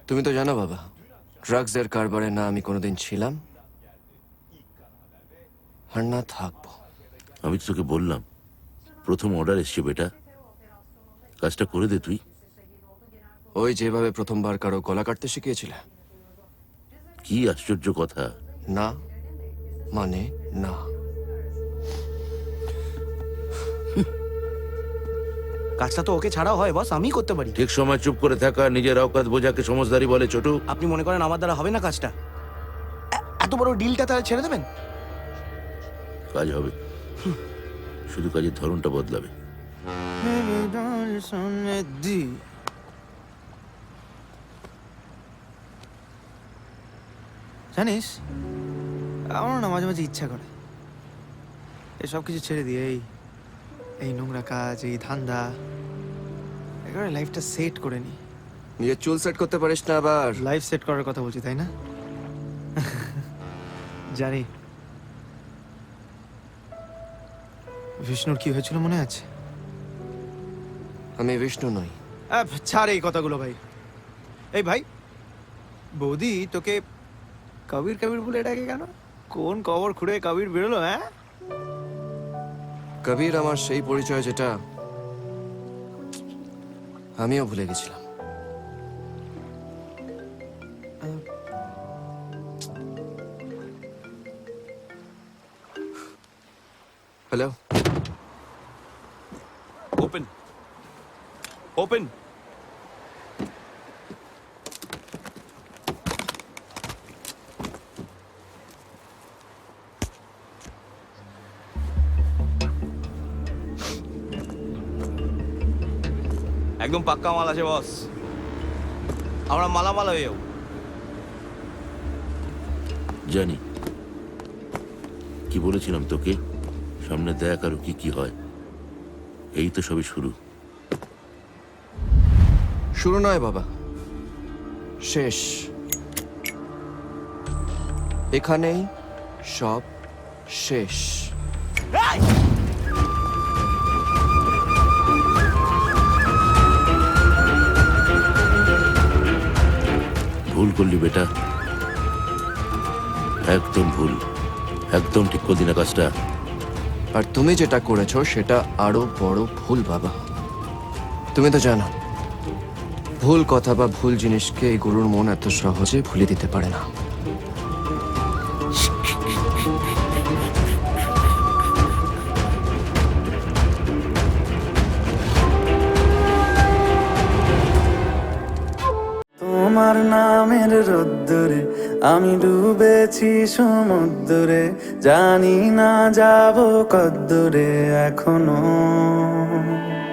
তুমি তো জানো বাবা, ড্রাগসের কারবারে না আমি কোনোদিন ছিলাম আর না থাকবো। আমি তো তোকে বললাম প্রথম অর্ডার এসছে বেটা, কাজটা করে দে তুই। ওই যেভাবে প্রথমবার কারো গলা কাটতে শিখিয়েছিলে। কি আশ্চর্য কথা। না মানে না। কাজটা তো ওকে ছাড়াও হয় বস, আমি করতে পারি। ঠিক সময় চুপ করে থাকা, নিজের অকাত বোঝাকে সমঝদারি বলে ছোটু। আপনি মনে করেন আমার দ্বারা হবে না কাজটা? এত বড় ডিলটা তাহলে ছেড়ে দেবেন? কাজ হবে, শুধু কাজের ধরনটা বদলাবে। জানিস, আমার না মাঝে মাঝে ইচ্ছা করে এসব কিছু ছেড়ে দিয়ে এই নোংরা কাজ, এই ধান্দা, একেবারে লাইফটা সেট করে নি। নিজের চুল সেট করতে পারিস না আবার? লাইফ সেট করার কথা বলছি, তাই না? জানি। বিষ্ণুর কি হয়েছিল মনে আছে? আমি বিষ্ণু নই। ছাড় এই কথাগুলো ভাই। এই ভাই, বৌদি তোকে কবির কবির বলে ডাকে কেন? কোন কবর খুঁড়ে কবির বেরোলো? হ্যাঁ, কবির আমার সেই পরিচয় যেটা আমিও ভুলে গেছিলাম। Hello, open open. একদম পাক্কা মাল আছে বস, আমরা মালামাল হয়ে যাবো। জানি, কি বলেছিলাম তোকে, সামনে দেখ আরো কি কি হয়। এই তো সবই শুরু। শুরু নয় বাবা, শেষ। এখানেই সব শেষ। ভুল করলি বেটা, একদম ভুল, একদম ঠিক করলি না কাজটা। আর তুমি যেটা করেছো সেটা আরো বড় ভুল বাবা। তুমি তো জানো, ভুল কথা বা ভুল জিনিসকে এই গরুর মন এত সহজে ভুলে দিতে পারে না। তোমার নামের রোদ্দুরে আমি ডুবেছি সমুদ্রে, জানি না যাব কদ্দুরে এখনো।